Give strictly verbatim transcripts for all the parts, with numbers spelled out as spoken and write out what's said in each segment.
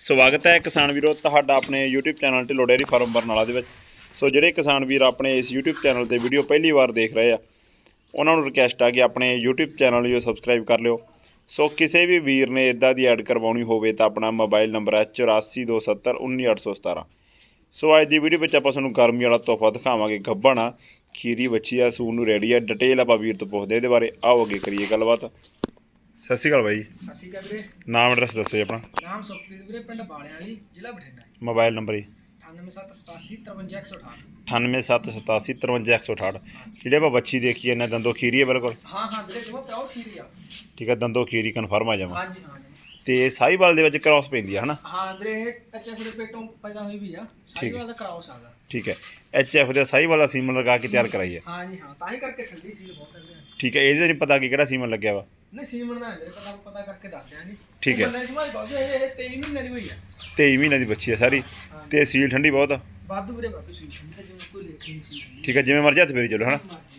ਸਵਾਗਤ ਹੈ ਕਿਸਾਨ ਵੀਰੋ ਤੁਹਾਡਾ ਆਪਣੇ YouTube channel Dhillon dairy farm Barnala ਦੇ ਵਿੱਚ। ਸੋ ਜਿਹੜੇ ਕਿਸਾਨ ਵੀਰ ਆਪਣੇ ਇਸ YouTube ਚੈਨਲ ਤੇ ਵੀਡੀਓ ਪਹਿਲੀ ਵਾਰ ਦੇਖ ਰਹੇ ਆ ਉਹਨਾਂ ਨੂੰ ਰਿਕਵੈਸਟ ਆ ਕਿ ਆਪਣੇ YouTube ਚੈਨਲ ਨੂੰ ਸਬਸਕ੍ਰਾਈਬ ਕਰ ਲਿਓ। ਸੋ ਕਿਸੇ ਵੀ ਵੀਰ ਨੇ ਇਦਾਂ ਦੀ ਐਡ ਕਰਵਾਉਣੀ ਹੋਵੇ ਤਾਂ ਆਪਣਾ ਮੋਬਾਈਲ ਨੰਬਰ ਹੈ ਚੁਰਾਸੀ ਦੋ ਸੱਤਰ ਉੱਨੀ ਅੱਠ ਸੌ ਸਤਾਰਾਂ। ਸੋ ਅੱਜ ਦੀ ਵੀਡੀਓ ਵਿੱਚ ਆਪਾਂ ਤੁਹਾਨੂੰ ਗਰਮੀ ਵਾਲਾ ਤੋਹਫਾ ਦਿਖਾਵਾਂਗੇ। ਗੱਭਣ ਆ, ਖੀਰੀ ਬੱਚੀ ਆ, ਸੂਣ ਨੂੰ ਰੈਡੀ ਆ। ਡਿਟੇਲ ਆਪਾਂ ਵੀਰ ਤੋਂ ਪੁੱਛਦੇ ਇਹਦੇ ਬਾਰੇ। ਆਓ ਅੱਗੇ ਕਰੀਏ ਗੱਲਬਾਤ। ਸਤਿ ਸ਼੍ਰੀ ਅਕਾਲ ਬਾਈ ਜੀ। ਸਤਿ ਸ਼੍ਰੀ ਅਕਾਲ ਵੀਰੇ। ਨਾਮ ਐਡਰੈਸ ਦੱਸੋ ਜੀ ਆਪਣਾ। ਨਾਮ ਸੁਖਪ੍ਰੀਤ ਵੀਰੇ, ਪਿੰਡ ਬਾਲਿਆਂ ਵਾਲੀ, ਜ਼ਿਲ੍ਹਾ ਬਠਿੰਡਾ। ਮੋਬਾਈਲ ਨੰਬਰ ਜੀ ਅਠਾਨਵੇਂ ਸੱਤ ਸਤਾਸੀ ਤਰਵੰਜਾ ਇੱਕ ਸੌ ਅਠਾਹਠ। ਅਠਾਨਵੇਂ ਸੱਤ ਸਤਾਸੀ ਤਰਵੰਜਾ ਇੱਕ ਸੌ ਅਠਾਹਠ। ਜਿਹੜੇ ਆਪਾਂ ਬੱਚੀ ਦੇਖੀ ਇਹਨਾਂ ਦੰਦੋਂ ਖੀਰੀ ਹੈ ਬਿਲਕੁਲ। ਹਾਂ ਹਾਂ ਵੀਰੇ, ਜਮਾ ਪਿਓਰ ਖੀਰੀ ਆ। ਠੀਕ ਹੈ, ਦੰਦੋਂ ਖੀਰੀ ਕਨਫਰਮ ਆ ਜਾਵਾਂ। ਹਾਂਜੀ ਹਾਂ ਜੀ। ਤੇ ਸਾਹੀਵਾਲ ਦੇ ਵਿੱਚ ਕ੍ਰਾਸ ਪੈਂਦੀ ਹੈ ਹਨਾ। ਹਾਂ ਵੀਰੇ, ਇਹ ਕੱਚੇ ਫੁੱਲੇ ਪੇਟੋਂ ਪੈਦਾ ਹੋਈ ਵੀ ਆ। ਸਾਹੀਵਾਲ ਦਾ ਕਰਾਉਸ ਆਗਾ। ਠੀਕ ਹੈ, ਐਚ ਐਫ ਦਾ ਸਾਹੀਵਾਲ ਦਾ ਸੀਮਨ ਲਗਾ ਕੇ ਤਿਆਰ ਕਰਾਈ ਹੈ। ਹਾਂ ਜੀ ਹਾਂ, ਤਾਂ ਹੀ ਕਰਕੇ ਠੰਡੀ ਸੀ ਬਹੁਤ ਹੈ। ਠੀਕ ਹੈ, ਇਹਦੇ ਨਹੀਂ ਪਤਾ ਕਿ ਕਿਹੜਾ ਸੀਮਨ ਲੱਗਿਆ ਵਾ। ਨਹੀਂ ਸੀਮਨ ਦਾ ਮੇਰੇ ਪਤਾ ਪਤਾ ਕਰਕੇ ਦੱਸ ਦਿਆਂ ਜੀ। ਠੀਕ ਹੈ, ਬੰਦੇ ਸਮਾਜ ਬਾਜੂ ਇਹ ਤੇਈ ਮਹੀਨੇ ਦੀ ਹੋਈ ਆ। ਤੇਈ ਮਹੀਨੇ ਦੀ ਬੱਚੀ ਹੈ ਸਾਰੀ। ਤੇ ਸੀਲ ਠੰਡੀ ਬਹੁਤ ਆ। ਵਾਧੂ ਵੀਰੇ ਵਾਧੂ ਸੀ, ਤੇ ਜਿਵੇਂ ਕੋਈ ਲੇਖ ਨਹੀਂ ਸੀ। ਠੀਕ ਹੈ, ਜਿਵੇਂ ਮਰਜ਼ੀ ਹੱਥ ਫੇਰੀ ਚਲੋ ਹਨਾ।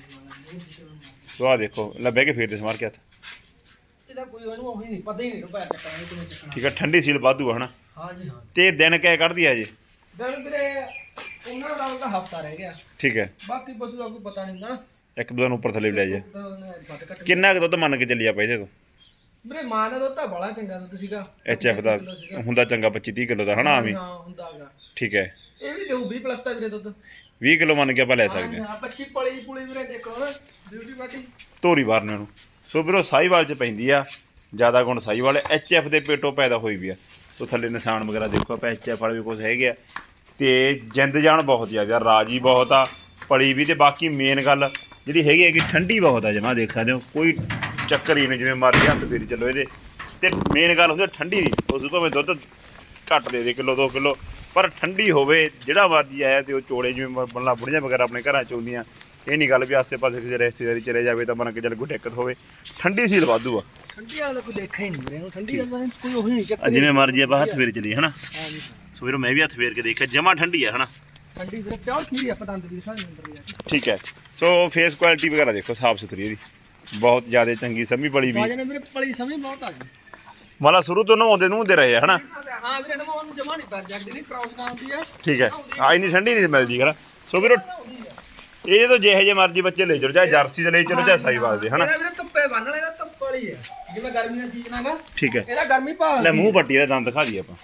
ਸੋ ਆਹ ਦੇਖੋ, ਲੱਭੇ ਕੇ ਫੇਰਦੇ ਸਮਾਰ ਕੇ ਹੱਥ। ਇਹਦਾ ਕੋਈ ਉਹਨੂੰ ਉਹੀ ਨਹੀਂ ਪਤਾ ਹੀ ਨਹੀਂ ਰੁਪਿਆ ਚੱਕਣਾ ਕਿਵੇਂ ਚੱਕਣਾ। ਠੀਕ ਹੈ, ਠੰਡੀ ਸੀਲ ਵਾਧੂ ਆ ਹਨਾ। ਹਾਂ ਜੀ ਹਾਂ। ਤੇ ਦਿਨ ਕਿਆ ਕੱਢਦੀ ਆ ਜੀ? ਦਿਨ ਵੀਰੇ ਉਹਨਾਂ ਦਾ ਉਹਦਾ ਹਫਤਾ ਰਹਿ ਗਿਆ। ਠੀਕ ਹੈ, ਬਾਕੀ ਪਸ਼ੂ ਦਾ ਕੋਈ ਪਤਾ ਨਹੀਂ ਨਾ। ਇੱਕ ਦੋ ਦਿਨ ਉੱਪਰ ਥੱਲੇ ਵੀ ਲੈ ਜਾ। ਕਿੰਨਾ ਕਿੰਨਾ ਕੁ ਦੁੱਧ ਮੰਨ ਕੇ ਚੱਲੀ ਆਪਾਂ ਇਹਦੇ ਤੋਂ? ਵੀਰੇ ਮਾਂ ਦਾ ਦੁੱਧ ਤਾਂ ਬੜਾ ਚੰਗਾ ਦੁੱਧ ਸੀਗਾ। ਐਚ ਐਫ ਦਾ ਹੁੰਦਾ ਚੰਗਾ ਪੱਚੀ ਤੀਹ ਕਿਲੋ ਦਾ ਹਨਾ ਆਵੀਂ। ਹਾਂ ਹੁੰਦਾਗਾ। ਠੀਕ ਹੈ, ਇਹ ਵੀ ਦੇਊ ਵੀਹ ਪਲੱਸ ਦਾ ਵੀਰੇ ਦੁੱਧ। ਵੀਹ ਕਿਲੋ ਮੰਨ ਕੇ ਆਪਾਂ ਲੈ ਸਕਦੇ ਹਾਂ। ਹਾਂ ਪੱਚੀ ਪਲੀ ਪੁਲੀ ਵੀਰੇ ਦੇਖੋ ਨਾ, ਬਿਊਟੀ ਬਾਟੀ ਧੋਰੀ ਵਾਰਨੇ ਨੂੰ। ਸੋ ਵੀਰੋ ਸਾਹੀਵਾਲ ਚ ਪੈਂਦੀ ਆ, ਜ਼ਿਆਦਾ ਗੁਣ ਸਾਹੀਵਾਲ। ਐਚ ਐਫ ਦੇ ਪੇਟੋਂ ਪੈਦਾ ਹੋਈ ਵੀ ਆ। ਸੋ ਥੱਲੇ ਨਿਸ਼ਾਨ ਵਗੈਰਾ ਦੇਖੋ ਆਪਾਂ, ਐਚ ਐਫ ਵਾਲੇ ਵੀ ਕੁਝ ਹੈਗੇ ਆ। ਤੇ ਜਿੰਦ ਜਾਨ ਬਹੁਤ ਜ਼ਿਆਦਾ, ਰਾਜੀ ਬਹੁਤ ਆ, ਪਲੀ ਵੀ। ਤੇ ਬਾਕੀ ਮੇਨ ਗੱਲ ਜਿਹੜੀ ਹੈਗੀ ਹੈ ਕਿ ਠੰਡੀ ਬਹੁਤ ਆ ਜਮਾ, ਦੇਖ ਸਕਦੇ ਹੋ ਕੋਈ ਚੱਕਰ ਹੀ ਨਹੀਂ, ਜਿਵੇਂ ਮਰਜ਼ੀ ਹੱਥ ਫੇਰੀ ਚੱਲੋ ਇਹਦੇ। ਤੇ ਮੇਨ ਗੱਲ ਹੁੰਦੀ ਠੰਡੀ ਦੀ। ਉਸ ਭਾਵੇਂ ਦੁੱਧ ਘੱਟ ਦੇ ਦੇ ਕਿਲੋ ਦੋ ਕਿਲੋ, ਪਰ ਠੰਡੀ ਹੋਵੇ। ਜਿਹੜਾ ਮਰਜ਼ੀ ਆਇਆ ਤੇ ਉਹ ਚੋੜੇ ਜਿਵੇਂ ਬੰਲਾ ਬੁੜੀਆਂ ਵਗੈਰਾ ਆਪਣੇ ਘਰਾਂ 'ਚ ਆਉਂਦੀਆਂ। ਇਹ ਨਹੀਂ ਗੱਲ ਵੀ ਆਸੇ ਪਾਸੇ ਕਿਸੇ ਰਿਸ਼ਤੇਦਾਰੀ ਚਲੇ ਜਾਵੇ ਤਾਂ ਬਣ ਕੇ ਚੱਲ ਕੋਈ ਦਿੱਕਤ ਹੋਵੇ। ਠੰਡੀ ਸੀਲ ਵਾਧੂ ਆ। ਠੰਡੀ ਵਾਲਾ ਕੋਈ ਦੇਖਿਆ ਹੀ ਨਹੀਂ ਵੀਰੇ। ਠੰਡੀ ਦਾ ਕੋਈ ਉਹੀ ਨਹੀਂ ਚੱਕਰ। ਜਿਵੇਂ ਮਰਜ਼ੀ ਆਪਾਂ ਹੱਥ ਫੇਰ ਚਲੀਏ ਹਨਾ। ਹਾਂ ਜੀ। ਸੋ ਵੀਰੋ ਮੈਂ ਵੀ ਹੱਥ ਫੇਰ ਕੇ ਦੇਖਿਆ, ਜਮਾ ਠੰਡੀ ਆ ਹਨਾ। ਠੰਡੀ ਵੀਰੇ ਪਿਓਰ ਖੀਰੀ ਆ, ਪਤੰਦ ਦੀ ਸਾਰੇ ਅੰਦਰ ਵੀ ਆ। ਠੀਕ ਹੈ, ਸੋ ਫੇਸ ਕੁਆਲਿਟੀ ਵਗੈਰਾ ਦੇਖੋ, ਸਾਫ ਸੁਥਰੀ ਇਹਦੀ ਬਹੁਤ ਜ਼ਿਆਦਾ ਚੰਗੀ। ਸਮੀ ਬੜੀ ਵੀ ਬਾਜਾ ਨੇ ਵੀਰੇ ਪਲੀ ਸਮਝ ਬਹੁਤ ਆ ਗਈ। ਮਾਲਾ ਸ਼ੁਰੂ ਤੋਂ ਨਹਾਉਂਦੇ ਨੂੰ ਦੇ ਰਹੇ ਆ ਹਨਾ। ਹਾਂ ਵੀਰੇ ਨਵਾਂ ਨੂੰ ਜਮਾ ਨਹੀਂ ਪੈਰ ਜਗਦੀ ਨਹੀਂ, ਕ੍ਰਾਸ ਕਾਉਂਦੀ ਆ। ਠੀਕ ਹੈ, ਆ ਇੰਨੀ ਠੰਡੀ ਨਹੀਂ ਮਿਲਦੀ ਹਨਾ। ਸੋ ਵੀਰੋ ਇਹ ਜਦੋਂ ਜਿਹੇ ਜਿਹੇ ਮਰਜ਼ੀ ਬੱਚੇ ਲੈ ਚਲੋ, ਚਾਹੇ ਜਰਸੀ ਦੇ ਲੈ ਚਲੋ ਚਾਹੇ ਸਾਹੀਵਾਲ ਦੇ ਹਨਾ। ਇਹਦਾ ਵੀਰੇ ਧੁੱਪੇ ਬੰਨ ਲੈਣਾ, ਧੁੱਪ ਵਾਲੀ ਆ। ਜਿਵੇਂ ਗਰਮੀ ਦਾ ਸੀਜ਼ਨ ਹੈਗਾ। ਠੀਕ ਹੈ, ਇਹਦਾ ਗਰਮੀ ਭਾਲ ਲੈ ਮੂੰਹ ਪੱਟੀ ਦਾ ਦੰਦ ਦਿਖਾ ਦਈਏ ਆਪਾਂ।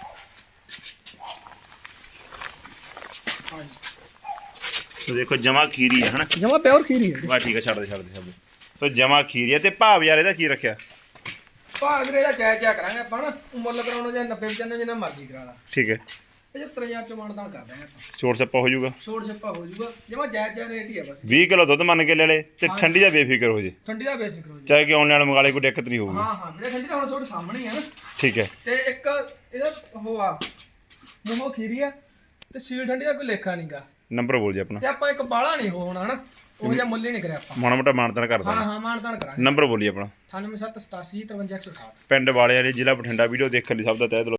ਸੋ ਦੇਖੋ ਜਮਾ ਖੀਰੀ ਹੈ ਹਨਾ। ਜਮਾ ਪਿਓਰ ਖੀਰੀ ਹੈ। ਵਾ ਠੀਕ ਹੈ, ਛੱਡ ਦੇ ਛੱਡ ਦੇ ਛੱਡ ਦੇ। ਸੋ ਜਮਾ ਖੀਰੀ ਹੈ। ਤੇ ਭਾਵ ਯਾਰ ਇਹਦਾ ਕੀ ਰੱਖਿਆ? ਭਾਅ ਵੀਰੇ ਇਹਦਾ ਜਾਇਜ਼ ਜਾਇਜ਼ ਕਰਾਂਗੇ ਆਪਾਂ ਨਾ। ਮੁੱਲ ਕਰਾਉਣਾ ਜਾਂ ਨੱਬੇ ਪਚਾਨਵੇਂ ਜਿੰਨਾ ਮਰਜ਼ੀ ਕਰਾ ਲਾ। ਠੀਕ ਹੈ, ਪਝੱਤਰ ਹਜ਼ਾਰ ਚ ਮਾਨਦਾਨ ਕਰ ਦਾਂਗੇ ਆਪਾਂ। ਛੋਟ ਸੱਪਾ ਹੋ ਜਾਊਗਾ। ਛੋੜ ਛੱਪਾ ਹੋ ਜਾਊਗਾ, ਜਮਾ ਜਾਇਜ਼ ਜਾਇਜ਼ ਰੇਟ ਹੀ ਆ ਬਸ। ਵੀਹ ਕਿਲੋ ਦੁੱਧ ਮੰਨ ਕੇ ਲੈ ਲੈ ਤੇ ਠੰਡੀ ਦਾ ਬੇਫਿਕਰ ਹੋ ਜੇ। ਠੰਡੀ ਦਾ ਬੇਫਿਕਰ ਹੋ ਜਾ। ਚਾਹੇ ਕਿ ਆਨਲਾਈਨ ਮੰਗਾ ਲੈ, ਕੋਈ ਦਿੱਕਤ ਨਹੀਂ ਹੋਊਗੀ। ਹਾਂ ਹਾਂ ਵੀਰੇ, ਠੰਡੀ ਤਾਂ ਹੁਣ ਤੁਹਾਡੇ ਸਾਹਮਣੇ ਹੀ ਆ ਨਾ। ਠੀਕ ਹੈ, ਤੇ ਇੱਕ ਇਹਦਾ ਉਹ ਆ ਮੂੰਹੋਂ ਖੀਰੀ ਆ ਤੇ ਸੀਲ ਠੰਡੀ ਦਾ ਕੋਈ ਲੇਖਾ ਨਹੀਂਗਾ। ਨੰਬਰ ਬੋਲ ਜੀ ਆਪਣਾ। ਤੇ ਆਪਾਂ ਇੱਕ ਬਾਲਾ ਨਹੀਂ ਹੋਣਾ ਹਨਾ, ਉਹ ਜਿਹਾ ਮੁੱਲ ਹੀ ਨਹੀਂ ਕਰਿਆ ਆਪਾਂ। ਮਾੜਾ ਮੋਟਾ ਮਾਨਤਾਨ ਕਰ ਹਾਂ ਦਾਂਗੇ। ਹਾਂ ਮਾਨਦਾਨ ਕਰਾਂਗੇ। ਨੰਬਰ ਬੋਲੀ ਆਪਣਾ। ਅਠਾਨਵੇਂ ਸੱਤ ਸਤਾਸੀ ਤਰਵੰਜਾ ਇੱਕ ਸੌ ਅਠਾਹਠ। ਪਿੰਡ ਵਾਲੇ ਵਾਲੀ, ਜ਼ਿਲ੍ਹਾ ਬਠਿੰਡਾ। ਵੀਡੀਓ ਦੇਖਣ ਲਈ ਸਭ ਦਾ ਤਹਿ ਦਿਲੋਂ